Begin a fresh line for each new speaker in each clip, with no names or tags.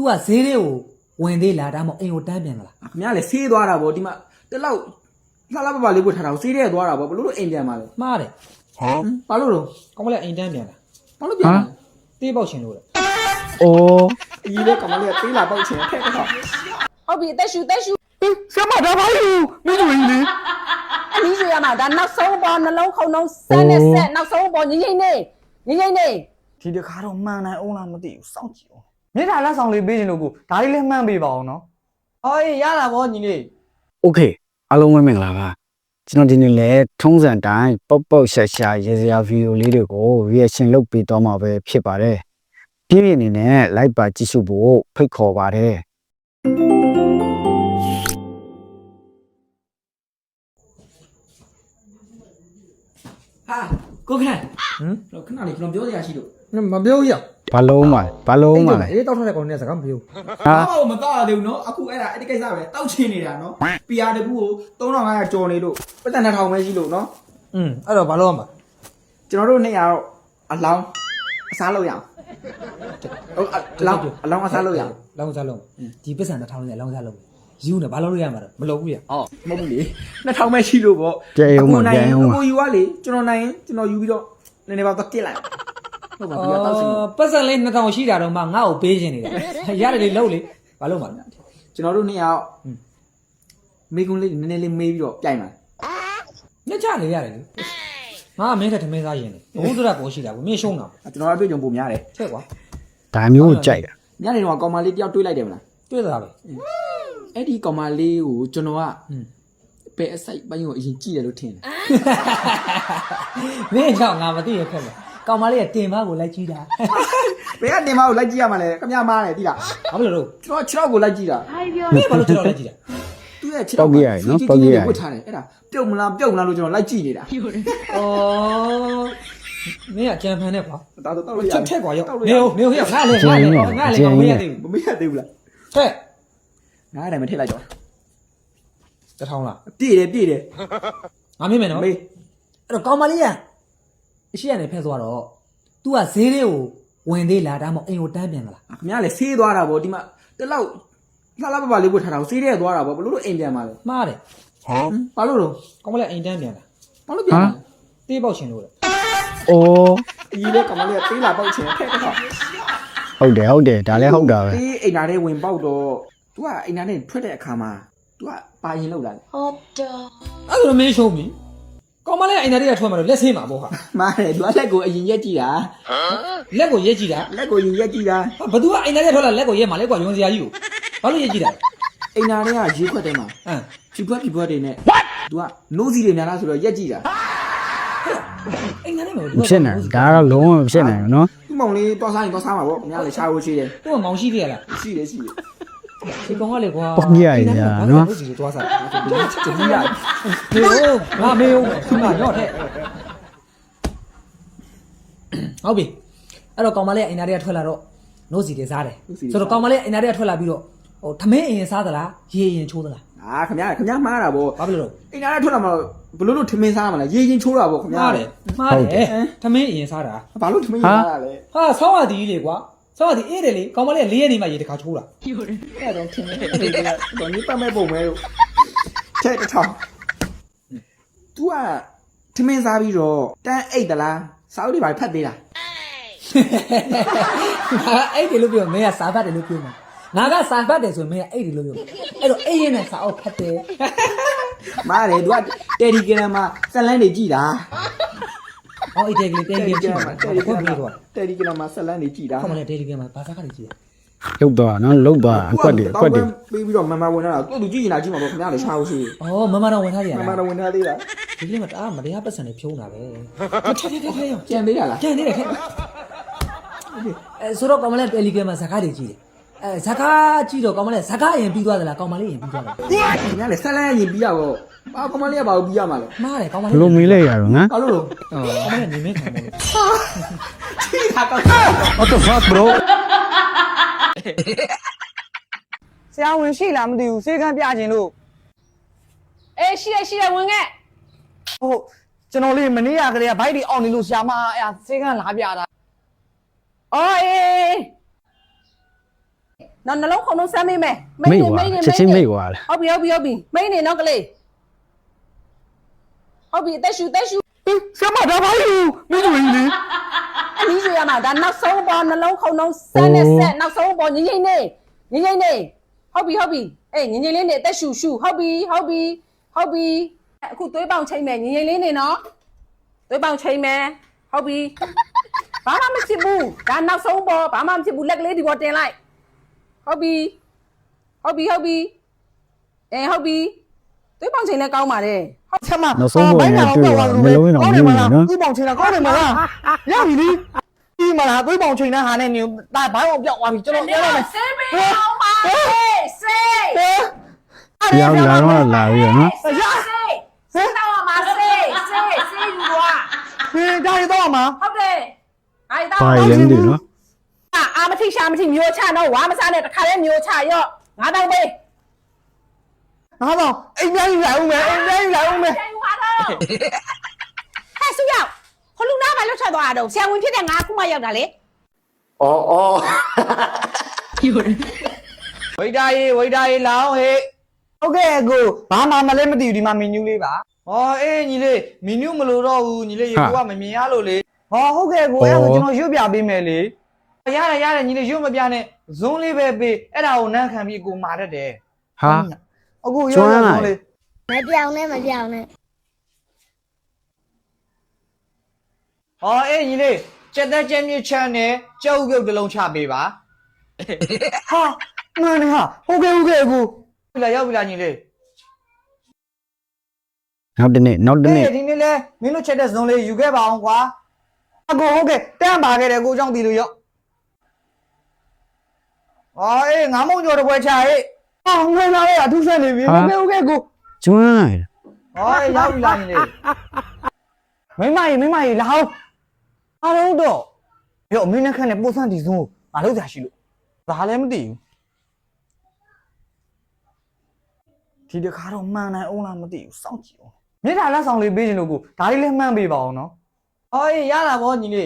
तू ကဈေးလေးကိုဝင်သေးလားဒါမှမဟုတ်အိမ်ကိုတန်းပြန်လာ
ခင်ဗျားလည်းဆေးသွားတာဗောဒီမှာတလောက်လှလှပပလေးပို့ထားတာကိုဆေးရဲသွားတာဗောဘလို့လို့အိမ်ပြန်มาလဲ
မှားတယ်
ဘာလို့တော့
ကောင်းမလဲအိမ်တန်းပြန်လာ
ဘာလို့ပြန်လာလဲ
တေးပေါက်ရှင်လို့လေ
哦，
အကြီးလေးကောင်မလေးကသေးလာပေါက်ချင်ထက်တော့
ဟုတ်ပြီတက်ရှူ
什么他妈有？没注意呢。
အလီဆိုရမှာဒါနောက်ဆုံးပေါ်နှလုံးခုံလုံးဆက်နဲ့ဆက်နောက်ဆုံးပေါ်ငိမ့်ငိမ့်နေ
ဒီတခါတော့မှန်နိုင်အောင်လားမသိဘူးစောင့်ကြည့်အောင်မြေထားလက်ဆောင်လေးပေးခြင်းလို့ကိုဒါလေးလည်းမှန်ပေးပါအောင်နော်အော်ရတာဗောညီလေး
โอเคအားလုံးပဲမင်္ဂလာပါကျွန်တော်ဒီနေ့လဲထုံးစံတိုင်းပေါက်ပေါက်ရှာရှာရေစရာဗီဒီယိုလေးတွေကို reaction လုပ်ပေးတော့မှာပဲဖြစ်ပါတယ်ပြည့်ပြည့်အနေနဲ့ like ပါကြည့်ရှုဖို့ဖိတ်ခေါ်ပါတယ်
ဟာကိုခန့်တော့ခဏလေးကျွန်တော်ပြောစရာရှိလို့
မပြောရ
ဘာလုံးမလဲ
အေးတောက်ထားတဲ့ကောင်နဲ့စကားမပြော
ဟာမတော့ရသေးဘူးနော်အခုအဲ့ဒါအဲ့ဒီကိစ္စပဲတောက်ချင်နေတာနော် PR တကူကို3500ကျော်နေလို့ပတ်သက်2000ပဲရှိလို့နော်
အဲ့တော့ဘာလို့ရမှာ
ကျွန်တော်တို့200တော့အလောင်းအစားလုပ်ရအောင်ဟုတ်အလောင်းအစားလုပ်ရအောင်
လောင်းစားလုံးဒီပစ္စံတစ်ထောင်နဲ့လောင်းစားလုံးယူနေဘာလို့ရမှာတော့မလုပ်ဘူးရ
မဟုတ်ဘူးလေ2000ပဲရှိလို့ပေါ့
ကြဲအောင်ပါကြဲအောင်ပါ
ကိုယူကလေကျွန်တော်နိုင်ကျွန်တော်ယူပြီးတော့နည်းနည်းပါတော့ကစ်လိုက်ဟုတ်ပါပြီတောက်စင်
ပတ်စံလေး2000ရှိတာတော့မှငါ့ကိုပေးခြင်းနေတာရတယ်လေလုံးလေဘာလို့မှာလဲ
ကျွန်တော်တို့200မေကွန်းလေးနည်းနည်းလေးမေးပြီးတော့ပြိုင်ပါ
ညချလေရတယ်လေငါမင်းတဲ့ထမင်းစားရင်လေဘုံတို့ကပေါ်ရှိတာကိုမင်းရှုံးတာ
ကျွန်တော်အတွေ့အကြုံပုံများတယ်
ချက်ကွာ
ဒါမျိုးကိုကြိုက်တာ
ညနေတော့ကောင်မလေးတယောက်တွေးလိုက်တယ်မလား
တွေ့တာပဲ
အဲ့ဒီကောင်မလေးကိုကျွန်တော်ကပဲအစိုက်ပိုင်းကိုအရင်ကြည့်တယ်လို့ထင်တယ်
မင်းကြောင့်ငါမသိရခက်လေကောင်မလေးကတင်မကိုလိုက်ကြည့်တာ
ဘယ်ကတင်မကိုလိုက်ကြည့်ရမှာလဲခမရမားတယ်တိလား
ဘာလို့လို့
ကျွန်တော်6ကိုလိုက်ကြည့်တာ
မင်းဘာလို့ကြောက်လိုက်ကြည့်တာ
သူ့ရဲ့6ဝတ်ထားတယ်အဲ့ဒါပြုတ်မလားလို့ကျွန်တော်လိုက်ကြည့်နေတာ
ဩမင်းကကြံဖန်နဲ့ကွာ
ဒါတော့တောက်လို့ရ
ချက်ထက်ကွာရောက်နေဦးငါလေကောင်မရသေးဘူး
မမေ့ရသေးဘူးလား
ထက်
ငါအဲ့ဒါမထည့်လိုက်တော့
တစ်ထောင်လား
ပြည့်တယ်
ငါမင်းမယ်နော်
မေး
အဲ့တော့ကောင်မလေးကအရှိရနေဖက်သွားတော့ तू ကဈေးလေးကိုဝင်သေးလားဒါမှမဟုတ်အိမ်ကိုတန်းပြန်လာ
ခင်ဗျားလည်းဆေးသွားတာဗောဒီမှာတလောက်လှလှပပလေးပို့ထားတာကိုဆေးရဲသွားတာဗောဘလို့လို့အိမ်ပြန်มาလဲ
မှားတယ်
ဘာလို့တော့
ကောင်မလေးအိမ်တန်းပြန်လာ
ဘာလို့ပြန်လာလဲ
တေးပေါက်ရှင်လို့လေ
အိုး
အကြီးလေးကောင်မလေးကသေးလာပေါက်ချင်ထက်တော့
ဟုတ်တယ်ဒါလည်းဟုတ်တာပဲ
ဒီအိမ်သားထဲဝင်ပေါက်တော့ तू ကအိမ်သားထဲထွက်တဲ့အခါမှာ तू ကပါရင်လောက်လာတယ်
အဲ့ဒါမင်းရှုံးပြီကောင်မလေးအိမ်သားတွေကထွက်မှာတော့လက်ဆင်းမှာပေါ့ဟာ
မားတယ် तू ကလက်ကိုအရင်ရက်ကြည့်တာ
လက်ကိုရက်ကြည့်တာ
လက်ကိုရင်ရက်ကြည့်တာ
ဘသူကအိမ်သားတွေထွက်လာလက်ကိုရက်မှာလဲကွာယွန်စရာကြီးကိုဘာလို့ရက်ကြည့်တာ
အိမ်သားထဲကရေခွက်ထဲမှာ ဖြူဖြူတွေနဲ့ तू ကနိုးစီတွေများလားဆိုတော့ရက်ကြည့်တာ
အိမ်သားတွေမှာ
မဖြစ်နိုင်ဒါကတော့လုံးဝမဖြစ်နိုင်ဘူးနော်
သူ့မောင်လေးတော့စားရင်တော့စားမှာပေါ့ခင်ဗျားလည်းရှားဖို့ရှိတယ်
သူ့ကမောင်ရှိသေးရလား
ရှိတယ်
ဒီကောင်ကလေကွာ
ပေါ့ကြီးရည်ညာနော်
ဒီလိုသွားစား
တတိယ
မေယိုငါရော့တဲ့ဟုတ်ပြီအဲ့တော့ကောင်မလေးအိမ်သားတွေကထွက်လာတော့နို့စီတွေစားတယ်ဆိုတော့ကောင်မလေးအိမ်သားတွေကထွက်လာပြီးတော့ဟိုထမင်းအရင်စားသလားရေရင်ချိုးသလား
ခင်ဗျားမှားတာပေါ့
ဘာဖြစ်လို့
အိမ်သားထဲထွက်လာမှာဘလို့လို့ထမင်းစားမှာလဲရေချင်းချိုးတာပေါ့ခင်ဗျား
မှားတယ်ထမင်းအရင်စားတာ
ဘာလို့ထမင်းစားတာလဲ
ဟာဆောင်းရသည်လေကွာဆောင်းရသည်အေးတယ်လေကောင်မလေး4ရက်နေမှရေတစ်ခါချိုးတာ
အဲ့တော့ထမင်းတော့နိပတ်မဲ့ပုံမဲလို့ထဲတစ်ထောင် तू ကထမင်းစားပြီးတော့တန်းအိတ်တလားစာအုပ်တွေပါဖတ်သေးလား
အဲ့ဒီလိုပြောမင်းကစာဖတ်တယ်လို့ပြောမှာငါကစာဖတ်တယ်ဆိုရင်မင်းကအဲ့ဒီလိုပြောအဲ့တော့အေးရင်နဲ့စာအုပ်ဖတ်တယ်
မားတယ် तू ကတယ်ဒီဂရမ်မှာဇက်လန်းတွေကြည်တာ
ဟောအေးတယ်ကလေးတယ်ကလေးကြည့်ပါဟုတ်ပြီတော့
တယ်ဒီဂရမ်မှာဇက်လန်းတွေကြည်တာ
ခေါမလေးတယ်ကလေးမှာဘာသာခါလေးကြည့်
လုတ်သွားနော်လုတ်သွားအကွက်တွေ
ပြီးပြီးတော့မမဝင်လာတာသူကြည့်နေတာကြည့်မှာပေါ့ခင်ဗျားလည်းရှားဖို့ရှိတယ်
ဩမမတော့ဝင်ထားရ
မ
လား
မတော့ဝင်ထားသေးတာ
ဒီကလေးမှာတအားမတရားပတ်စံနေဖြုံးတာပဲထထထရော
ကြံသေးတာလား
ကြံနေတယ်ခဲ့ဆိုတော့ကောင်မလေးတယ်လီဂရမ်မှာဇကားတွေကြည့်တယ်ဇကားကြည့်တော့ကောင်မလေးဇကားရင်ပြီးသွားသလားကောင်မလေးရင်ပြီးသွားတယ်
ခင်ဗျားလည်းဇက်လန်းရင်ပြီးရပေါ့ဘာကမလေးကဘာကိုပြီးရမှာလဲ
မှားတယ်ကောင်မ
ဘ
လေး
လို့မေးလိုက်ရတော့ငါ
ဘာလို့လို့
ကောင်မလေးနေမင်းခံတယ်
ကြည့်တာကော
What the fuck bro
ဆရာဝန်ရှိလားမသိဘူးစေကန်းပြခြင်းလို့
အေးရှိရဝင်ခဲ့
ဟုတ်ကျွန်တော်လေးမနေ့ကကလေးကဘိုက်တွေအောင့်နေလို့ဆရာမအဲ့စေကန်းလာပြတာ
အော်အေးနော်နှလုံးခုံလုံးစမ်းမိမယ်
မိတ်ကွာချက်ချင်းမိတ်ကွာလေ
ဟုတ်ပြီမိနေနော်ကလေးဟုတ်ပြီအသက်ရှူ
ဆရာမဒါပါယူမင်းတို့ကြီးလေ
အနည်းဆိုရမှာဒါနောက်ဆုံးပေါ်နှလုံးခုံလုံးစမ်းနဲ့ဆက်နောက်ဆုံးပေါ်ငိမ့်နေဟုတ်ပြီအေးငိမ့်လေးနေအသက်ရှူဟုတ်ပြီအခုသွေးပေါင်ချိန်မယ်ငိမ့်လေးနေနော်သွေးပေါင်ချိန်မယ်ဟုတ်ပြီဘာမှမဖြစ်ဘူးဒါနောက်ဆုံးပေါ်ဘာမှမဖြစ်ဘူးလက်ကလေးဒီပေါ်တင်လိုက်ဟုတ်ပြီအေးဟုတ်ပြီသွေးပေါင်ချိန်လည်းကောင်းပါတယ်
ဆရာမ
နောက်ဆုံးပေါ်နေတွေ့တော့မလုံးတော့မြင်နေနော်
သွေးပေါင်ချိန်တာကောင်းတယ်မလားရပြီလေဒီမလားသွေးပေါင်ချိန်တဲ့ဟာနဲ့နေဒါဘိုင်းအောင်ပြောက်သွားပြီကျွန်တော်ပြောလိုက်မယ်
ဆေးပေးအောင်ပါဆေး
ရောက်လာတော့လာပြီနော်
ဆေးတော့မှာဆေးယူသွား
ဟင်းဒါရတော့မှာ
ဟုတ်တယ်အဲ့ဒါ
ဘာလဲမသိဘူးနော်
အာမထိရှာမထိမျိုးချတော့ဝါမစားနဲ့တခါလဲမျိုးချရော့ငါတော့ပေး
ငါတော့အိမ်ပြန်ယူလာဦးမယ်
ပြန်ယူပါတော့ဟဲ့ဆူရောက်ခလူနာဘာလို့ထွက်သွားတာတော့ဆရာဝန်ဖြစ်တဲ့ငါအခုမှရောက်တာလေ
ဝိဒါရီလောင်းဟေးဟုတ်ကဲ့ကိုဘာမှမလဲမသိဘူးဒီမှာမီနူးလေးပါဟောအေးညီလေးမီနူးမလို့တော့ဘူးညီလေးရေကိုကမမြင်ရလို့လေဟောဟုတ်ကဲ့ကိုအဲ့ဒါကျွန်တော်ရွတ်ပြပေးမယ်လေရတယ်ညီလေးရွတ်မပြနဲ့ဇွန်းလေးပဲပေးအဲ့ဒါကိုနန်းခံပြီးကိုမာတတ်တယ်
ဟာ
အခုရွတ်ရအောင်လေ
မပြောင်းနဲ့
ဟောအေးညီလေးစက်သက်ကျင်းမြစ်ချမ်းနဲ့ကြောက်ပြုတ်တစ်လုံးချပေးပါဟာမင်းဟာဟုတ်ကဲ့အခုရောက်ပြီလားညီလေး
နောက်တနေ့
ဒီနေ့လဲမင်းတို့ချက်တဲ့ဇွန်လေးယူခဲ့ပါအောင်ကွာအကိုဟုတ်ကဲ့တန်းပါခဲ့တယ်ကိုကြောင့်ဒီလိုရောက်အေးငါမုံကြော်တစ်ပွဲချဟေးငွေလာလေးအထူးဆက်နေပြီဟုတ်ကဲ့ကို
ကျွမ်းလိုက်
ရောက်ပြီလားညီလေးမိမကြီးလာအောင်အားလုံးတော့ရောမင်းနဲ့ခန့်နဲ့ပို့ဆန်းဒီဇွန်ငါလောက်ကြရှိလို့ဒါလည်းမသိဘူးဒီတခါတော့မှန်နိုင်အောင်လားမသိဘူးစောင့်ကြည့်အောင်မြေထာလက်ဆောင်လေးပေးခြင်းလို့ကိုဒါလေးလည်းမှန်ပေးပါအောင်နော်အေးရတာဗောညီလေး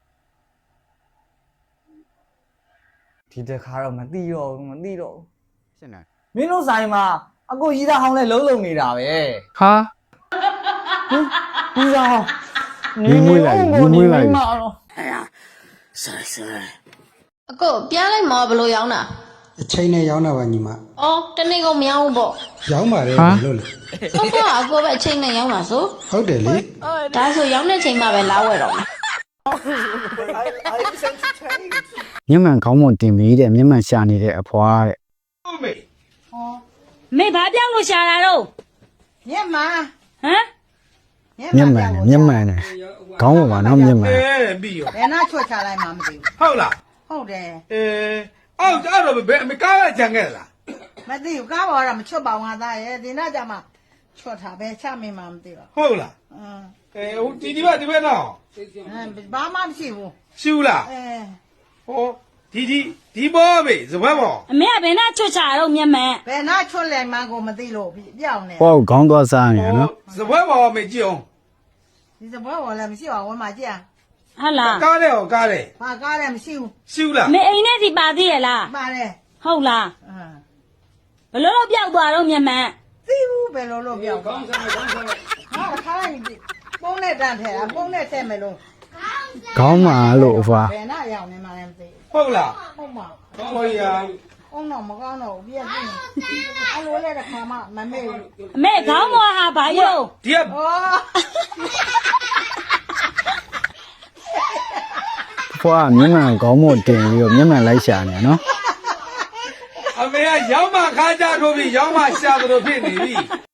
ဒီတခါတော့မသိတော့ဘူး
ရှင်းတယ်
မင်းတို့ဆိုင်မှာအကိုကြီးသားဟောင်းလဲလုံးလုံးနေတာပဲ
ဟာ
ကြီးသားဟောင်း
ယူမွေးလိုက်
အကိုပြားလိုက်မှာဘလို့ရောင်းတာ
အချိန်နဲ့ရောင်းတာပါညီမ
အော်တနေ့ကုန်မရောင်းဘူးပေါ့
ရောင်းပါတယ်ဘယ်လိုလဲ
ဟုတ်ကအကိုပဲအချိန်နဲ့ရောင်းတာဆို
ဟုတ်တယ်လေ
ဒါဆိုရောင်းတဲ့ချိန်မှပဲလာဝယ်တော့မယ်
မျက်မှန်ခေါင်းမတင်ပြီးတဲ့မျက်မှန်ရှာနေတဲ့အဖွားတဲ့
မေဘာပြောင်းလို့ရှာတာတော့
ညက်မှာ
ဟမ်
မျက်မှန်နဲ့ခေါင်းပေါ်မှာနော်မျက်မှန်
ပြီးရော
ဘယ်နာချွတ်ချလိုက်မှမသိဘူး
ဟုတ်လား
ဟုတ်တယ်
အော်အဲ့တော့ဘယ်အမေကားကကြံခဲ့လား
မသိဘူးကားပေါ်ကမချွတ်ပါဘူးငါသားရဲ့ဒီနာကြမှာချွတ်တာပဲချမင်းမှမသိတော့
ဟုတ်လား ဟိုဒီဘက်တော့
ဘာမှမရှိဘူး
ရှူလားဟောဒီဘောမေစပွဲဘော
အမေကဘယ်နဲ့ချွတ်ချတာတော့မျက်မှန်
ဘယ်နာချွတ်လဲမှကိုမသိလို့ပြောင်းနေ
ပေါ့ခေါင်းသွားစားနေနော်
စပွဲဘောမေကြည့်အောင်
ဒီစပွဲပေါ်လည်းမရှိပါဘူးမကြည့်
ဟုတ်လား
ကားတယ်ဟောကားတယ်
ဘာကားလည်းမရှိဘူး
ရှူလား
မေအိမ်နဲ့စီပါသေးရဲ့လား
ပါတယ်
ဟုတ်လားဘလို့လို့ပြောက်သွားတော့မျက်မှန်
သိဘူးဘယ်လိုလုပ်ပြောင်းကောင်းစားကောင်းစားဟာခါလိုက်ပုံနဲ့တန်းထဲပုံနဲ့ထဲမယ်လို့
ခေါင်းမှာလို့အဖွား
ဘယ်နာရောက်နေမှလည်းမသိ
ဟုတ်လား
ဟုတ်မှာ
ဟောရ
အောင်တော့မကောင်းတော့ပြည့်ပြည့်အဲ့လိုလဲတစ်ခါမှမမေ့ဘူး
အမေခေါင်းပေါ်ဟာဘာယုံ
ဒီက
ဩ
ဖွားမျက်မှန်ခေါင်းမတင်ပြီးတော့မျက်မှန်လိုက်ရှာနေနော်
အမေကရောင်းမခါကြထိုးပြီးရောင်းမရှာသလိုဖြစ်နေပြီ